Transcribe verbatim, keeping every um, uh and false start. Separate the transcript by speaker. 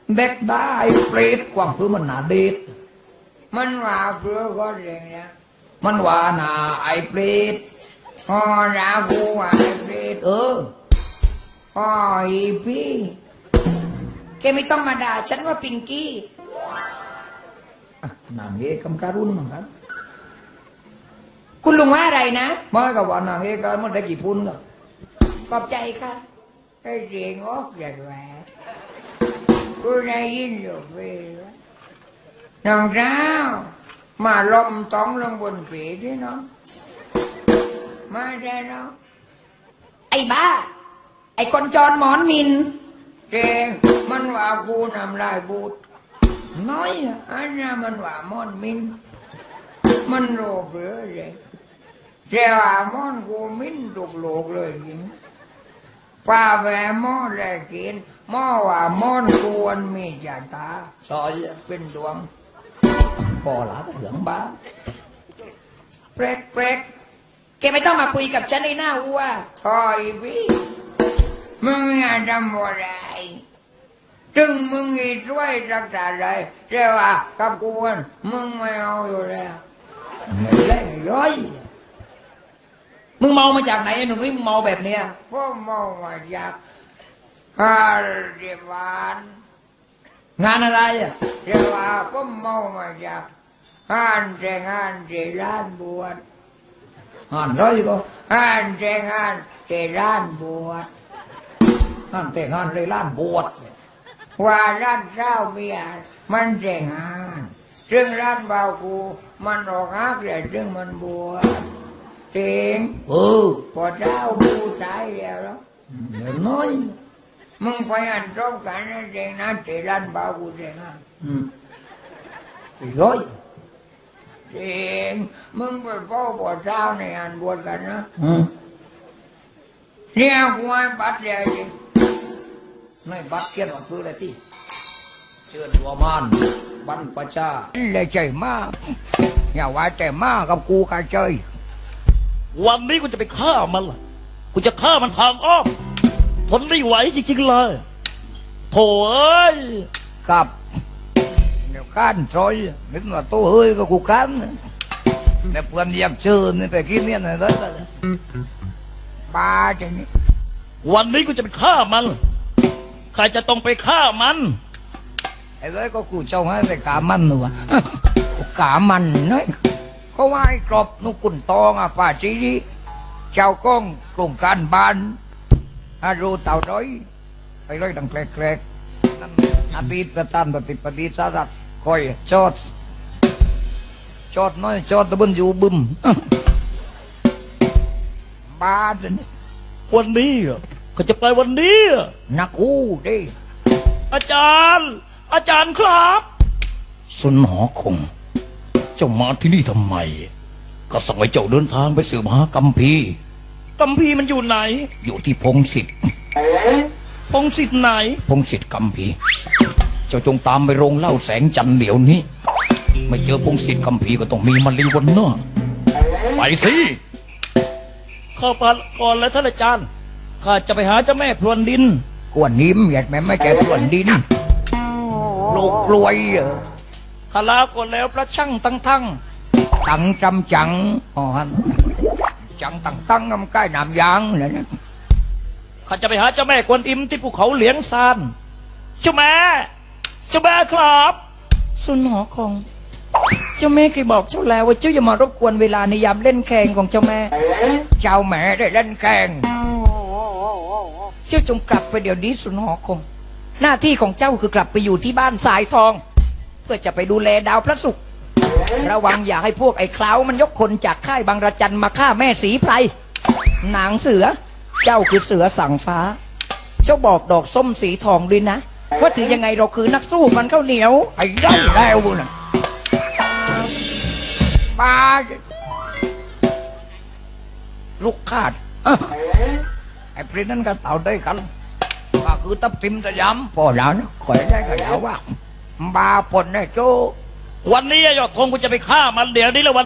Speaker 1: เด็กได้เปรตกว่างคือมันหนาเด็ด
Speaker 2: มันว่าเพื่อก็เรื่องนะ
Speaker 1: มันว่าหนาไอ้เปรต
Speaker 2: อ๋อรากูว่าไอ้เปรต
Speaker 1: เออ
Speaker 2: อ๋ออีพี่แกไม่ต้องมาด่าฉันว่าปิงกี้
Speaker 1: นางเอกกำการุณมั้งครับ
Speaker 2: คุณลุงว่าอะไรนะ
Speaker 1: ไม่กับว่านางเอกกันมันได้กี่พุ่นก็
Speaker 2: ขอบใจค่ะไอ้เสียงออกจากแหวนกูได้ยินอยู่เพื่อนน้องเจ้ามาลมต้องลงบนผีที่น้องมาได้น้องไอ้บ้าไอ้คนจรหมอนมินเจงมันว่ากูทำลายบูดน้อยอ่ะอันนั้นมันว่ามอนมินมันโลภเหลือเลยเจ้ามอนกูมินถูกโลกเลยจริงป้าแหวมอแลกินหม้อว่ามอนกวนมีจ่าตา
Speaker 1: ซอย
Speaker 2: เป็นดวง
Speaker 1: พอหลาเหลืองบ้า
Speaker 2: เปรกเปรกแกไม่ต้องมาคุยกับฉันในหน้าวัวคอยพี่มึงอย่าทำอะไรถึงมึงอีด้วยรักษาอะไรเจ้าว่ากับกวนมึงไม่เอาอยู่แล้ว
Speaker 1: ไม่ได้ร้อยมึงเมามาจากไหนไอ้หนุ่มนี่มึงเมาแบบเนี้ย
Speaker 2: พ่อเมามาจากฮาร์ดวาน
Speaker 1: งานอะไรอ่ะ
Speaker 2: เจ้าว่าพ่อเมามาจากฮานแต่งงานที่ร้านบวช
Speaker 1: ฮานร้อยก็
Speaker 2: ฮานแต่งงานที่ร้านบวช
Speaker 1: ฮานแต่งงานในร้านบวช
Speaker 2: ว่าร้านเจ้าเมียมันแต่งงานซึ่งร้านเบากูมันออกฮักเลยซึ่งมันบวชเจ๋ง
Speaker 1: เออ
Speaker 2: พอเจ้ากูตายแล้วแล้ว
Speaker 1: เดี๋ยวน้อย
Speaker 2: มึงไปอันตรงกันนะเจ๋งนะที่ร้านเบากูแต่งงาน
Speaker 1: อืมร้อย
Speaker 2: เจ๋งมึงไปพ่อพอเจ้าในอันบวชกันนะ
Speaker 1: อืม
Speaker 2: เนี่ยกูให้บัตรเลยจริง
Speaker 1: ในบัตรเขียนว่าคืออะไรที่เชิญวัวมานบรรพชา
Speaker 2: เลยใจมากอย่าว่าแต่มากกับกูกันเจย
Speaker 3: วันนี้กูจะไปฆ่ามันล่ะกูจะฆ่ามันทางอ้อมทนไม่ไหวจริงๆเลยโถ่เอ้ย
Speaker 1: กับเดี๋ยวก้านซอยนึกว่าตัวเฮ้ยก็กูก้านแต่เพื่อนอยากเชิญไปกินเนี่ยนะได้
Speaker 2: บ้าจังนี้
Speaker 3: วันนี้กูจะไปฆ่ามันใครจะต้องไปฆ่ามัน
Speaker 1: ไอ้เลยก็กูเจ้าให้แต่กามันหนูอะ
Speaker 2: กามันน้อยเขาว่าไอ้กรอบนุกุนตองอ่ะป่าจีรีเจ้าก้องกลุ่มการบ้านอารูเต่าร้อย
Speaker 1: ไอ้เลยดังแกลกๆนั่นอาทิตย์ประธานปฏิปฏิสารัตคอยจอดจอดน้อยจอดตะบนอยู่บึม
Speaker 2: บ้าจัง
Speaker 3: วันนี้เขาจะไปวันนี้
Speaker 2: นักอู้ดิ
Speaker 3: อาจารย์อาจารย์ครับ
Speaker 1: สนหอคงเจ้ามาที่นี่ทำไมก็สั่งให้เจ้าเดินทางไปสืบหากัมพี
Speaker 3: กัมพีมันอยู่ไหน
Speaker 1: อยู่ที่พงศิษฐ์
Speaker 3: พงศิษฐ์ไหน
Speaker 1: พงศิษฐ์กัมพีเจ้าจงตามไปโรงเหล้าแสงจันทร์เดี๋ยวนี้ไม่เจอพงศิษฐ์กัมพีก็ต้องมีมะลิวันเนอะไปสิ
Speaker 3: เข้าไปก่อนแล้วท่านอาจารย์ข้าจะไปหาเจ้าแม่พรวนดิน
Speaker 2: กวนนิ้มอยากแม่ไม่แก่พรวนดินลูกกลวย
Speaker 3: ข้าลาก่อนแล้วพระช่างตั้งทั้ง
Speaker 2: ตั้งจำจังอ๋อฮะจังตั้งตั้งน้ำใกล้น้ำยางเลยนะ
Speaker 3: ข้าจะไปหาเจ้าแม่กวนอิมที่ภูเขาเหลียงซานเจ้าแม่เจ้าแม่ครับ
Speaker 2: สุนหอคงเจ้าแม่เคยบอกเจ้าแล้วว่าเจ้าอย่ามารบกวนเวลาในยามเล่นแข่งของเจ้าแม่เจ้าแม่ได้เล่นแข่งเจ้าจงกลับไปเดี๋ยวนี้สุนหอคงหน้าที่ของเจ้าคือกลับไปอยู่ที่บ้านสายทองเพื่อจะไปดูแลดาวพระศุกร์ระวังอย่าให้พวกไอ้คล้าวมันยกคนจากค่ายบางระจันมาฆ่าแม่สีไพรนางเสือเจ้าคือเสือสั่งฟ้าเจ้าบอกดอกส้มสีทองด้วยนะว่าถึงยังไงเราคือนักสู้มันข้าวเหนียวไอ้ได้แล้วนะป้าลูกขาดไอ้พริ้นนั้นก็เต่าได้กันก็คือตับทิมตะย้ำพอแล้วนะขอยได้ก็แล้วว่าบาปนนะโจ
Speaker 3: วันนี้ยอดธงกูจะไปฆ่ามันเดี๋ยวนี้แล้ววัน